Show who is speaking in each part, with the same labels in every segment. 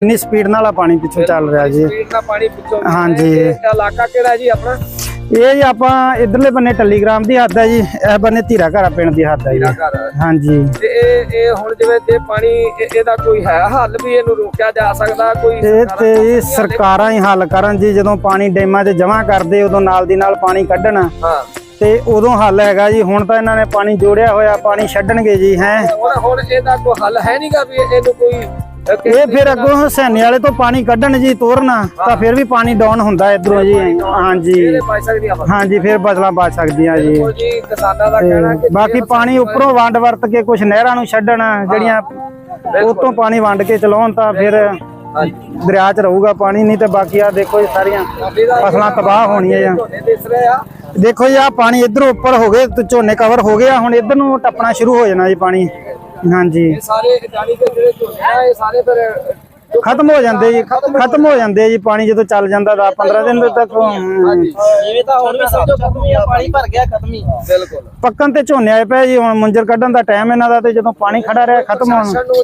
Speaker 1: इन्नी स्पीड नाल पानी पिछों चल रहा जी। हाँ जी
Speaker 2: इलाका केड़ा जी अपना?
Speaker 1: ये जी आप इधरले बन्ने टलीग्राम की हद है जी, इस बन्ने धीरा घरा पिंड की हद है जी। हाँ जी
Speaker 2: हुण जिवें जे पानी इहदा कोई है हल भी इहनूं रोकिया जा सकदा? कोई
Speaker 1: ये सरकारां ही हल करन जी, जदों पानी डैमां 'च जमा करदे उदों नाल दी नाल पानी कड्ढण।
Speaker 2: हाँ
Speaker 1: ते उदों हल हैगा जी। हुण तां इन्हां ने पानी जोड़िया होया, पानी छड्डणगे जी। हैं
Speaker 2: हुण इहदा कोई हल है नहींगा भी इहनूं कोई
Speaker 1: ये फिर अगों हुसैनी वाले तो पानी कड्ढण जी तोरना तो फिर भी पानी डाउन हुंदा इधरों जी। हाँ जी हाँ जी फिर फसलां बच सकदियां जी। बाकी पानी उपरों वंड वरत के कुछ नहरां नूं छड्डण जड़ियां उतों पानी वंड के चलाउण तां फिर दरिया च रहूगा पानी, नहीं तो बाकी आ देखो जी सारियां फसलां तबाह होणियां। देखो जी आ पानी इधरों उपर हो गए तो झोने कवर हो गया, हुण इधर नूं टपना शुरू हो जाना जी पानी। हाँ जी खत्म हो जाते जी, खत्म हो जाते जी पानी जो चल जाता 10-15 दिन तक। पक्कन ते झोने आए पे जी, हुण मुंजर कड्ढण दा टाइम इन्हां दा, ते जदों पानी खड़ा रहा खत्म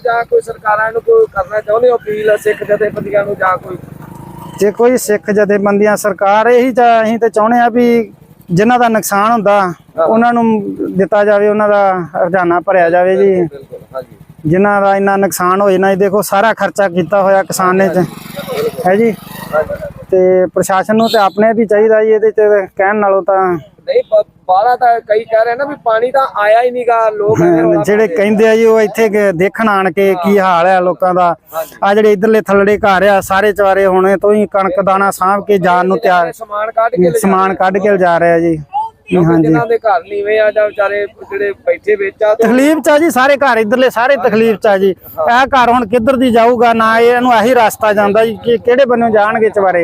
Speaker 1: जे कोई सिख जथेबंदियां सरकार यही असीं ते चाहुंदे आ भी जिन्हां दा नुकसान हुंदा उन्हां नूं दित्ता जावे, उन्हां दा हरजाना भरिया जावे जी। जिन्हां दा इन्ना नुकसान हो जाना, देखो सारा खर्चा किया होया किसान ने है जी। ते प्रशासन नूं ते अपने भी चाहिए जी, इहदे च कहण नालों तां
Speaker 2: नहीं बाहर तां कई कह रहे ना भी पानी तां आया ही नहींगा। लोग
Speaker 1: ਜਿਹੜੇ ਕਹਿੰਦੇ ਆ ਜੀ ਉਹ ਇੱਥੇ ਦੇਖਣ ਆਣ ਕੇ ਕੀ ਹਾਲ ਹੈ ਲੋਕਾਂ ਦਾ। ਆ ਜਿਹੜੇ ਇਧਰਲੇ ਥੱਲੜੇ ਘਰ ਆ ਸਾਰੇ ਚਵਾਰੇ ਹੁਣੇ ਤੋਂ ਹੀ ਕਣਕ ਦਾਣਾ ਸਾਂਭ ਕੇ ਜਾਣ ਨੂੰ ਤਿਆਰ, ਸਮਾਨ ਕੱਢ ਕੇ ਲਿਜਾ ਰਿਹਾ ਜੀ।
Speaker 2: ਹਾਂਜੀ ਜਿਨ੍ਹਾਂ ਦੇ ਘਰ ਨੀਵੇਂ ਆ ਜਾਂ ਵਿਚਾਰੇ ਜਿਹੜੇ ਬੈਠੇ ਵਿੱਚ ਆ
Speaker 1: ਤਕਲੀਫ ਚ ਆ ਜੀ, ਸਾਰੇ ਘਰ ਇਧਰਲੇ ਸਾਰੇ ਤਕਲੀਫ ਚ ਆ ਜੀ। ਇਹ ਘਰ ਹੁਣ ਕਿੱਧਰ ਦੀ ਜਾਊਗਾ ਨਾ, ਇਹਨੂੰ ਇਹੀ ਰਸਤਾ ਜਾਂਦਾ ਜੀ ਕਿ ਕਿਹੜੇ ਬੰਨੋਂ ਜਾਣਗੇ ਚਵਾਰੇ।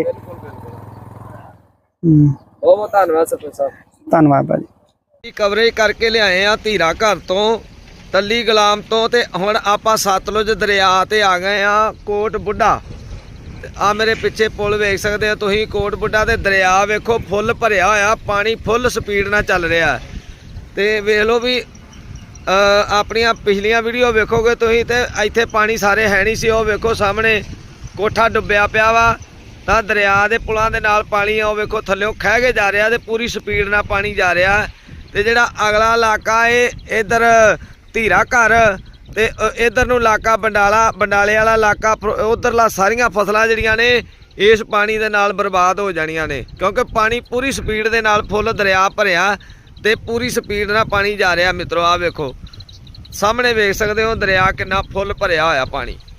Speaker 2: ਬਹੁਤ ਧੰਨਵਾਦ ਸਰਪੰਚ ਸਾਹਿਬ।
Speaker 1: ਧੰਨਵਾਦ ਭਾਜੀ।
Speaker 2: ਕਵਰੇਜ ਕਰਕੇ ਲਿਆਏ ਆ ਧੀਰਾ ਘਰ ਤੋਂ, ਟੱਲੀ ਗੁਲਾਮ ਤੋਂ, ਤੇ ਹੁਣ ਆਪਾਂ ਸਤਲੁਜ ਦਰਿਆ ਤੇ ਆ ਗਏ ਆ ਕੋਟ ਬੁੱਢਾ। ਆ ਮੇਰੇ ਪਿੱਛੇ ਪੁਲ ਵੇਖ ਸਕਦੇ ਆ ਤੁਸੀਂ, ਕੋਟ ਬੁੱਢਾ ਤੇ ਦਰਿਆ ਵੇਖੋ ਫੁੱਲ ਭਰਿਆ ਹੋਇਆ, ਪਾਣੀ ਫੁੱਲ ਸਪੀਡ ਨਾਲ ਚੱਲ ਰਿਹਾ। ਤੇ ਵੇਖ ਲਓ ਵੀ ਆਪਣੀਆਂ ਪਿਛਲੀਆਂ ਵੀਡੀਓ ਵੇਖੋਗੇ ਤੁਸੀਂ ਤੇ ਇੱਥੇ ਪਾਣੀ ਸਾਰੇ ਹੈ ਨਹੀਂ ਸੀ। ਉਹ ਵੇਖੋ ਸਾਹਮਣੇ ਕੋਠਾ ਡੁੱਬਿਆ ਪਿਆ ਵਾ, ਤਾਂ ਦਰਿਆ ਦੇ ਪੁਲਾਂ ਦੇ ਨਾਲ ਪਾਣੀ ਆ ਉਹ ਵੇਖੋ ਥੱਲਿਓਂ ਖਹਿ ਕੇ ਜਾ ਰਿਹਾ ਤੇ ਪੂਰੀ ਸਪੀਡ ਨਾਲ ਪਾਣੀ ਜਾ ਰਿਹਾ। ਤੇ ਜਿਹੜਾ ਅਗਲਾ ਇਲਾਕਾ ਇਹ ਇਧਰ ਧੀਰਾ ਘਰ ਤੇ ਇਧਰ ਨੂੰ ਇਲਾਕਾ ਬੰਡਾਲੇ ਵਾਲਾ ਇਲਾਕਾ, ਉਧਰਲਾ ਸਾਰੀਆਂ ਫਸਲਾਂ ਜਿਹੜੀਆਂ ਨੇ ਇਸ ਪਾਣੀ ਦੇ ਨਾਲ ਬਰਬਾਦ ਹੋ ਜਾਣੀਆਂ ਨੇ, ਕਿਉਂਕਿ ਪਾਣੀ ਪੂਰੀ ਸਪੀਡ ਦੇ ਨਾਲ ਫੁੱਲ ਦਰਿਆ ਭਰਿਆ ਤੇ ਪੂਰੀ ਸਪੀਡ ਨਾਲ ਪਾਣੀ ਜਾ ਰਿਹਾ। ਮਿੱਤਰੋ ਆ ਵੇਖੋ ਸਾਹਮਣੇ ਵੇਖ ਸਕਦੇ ਹੋ ਦਰਿਆ ਕਿੰਨਾ ਫੁੱਲ ਭਰਿਆ ਹੋਇਆ ਪਾਣੀ।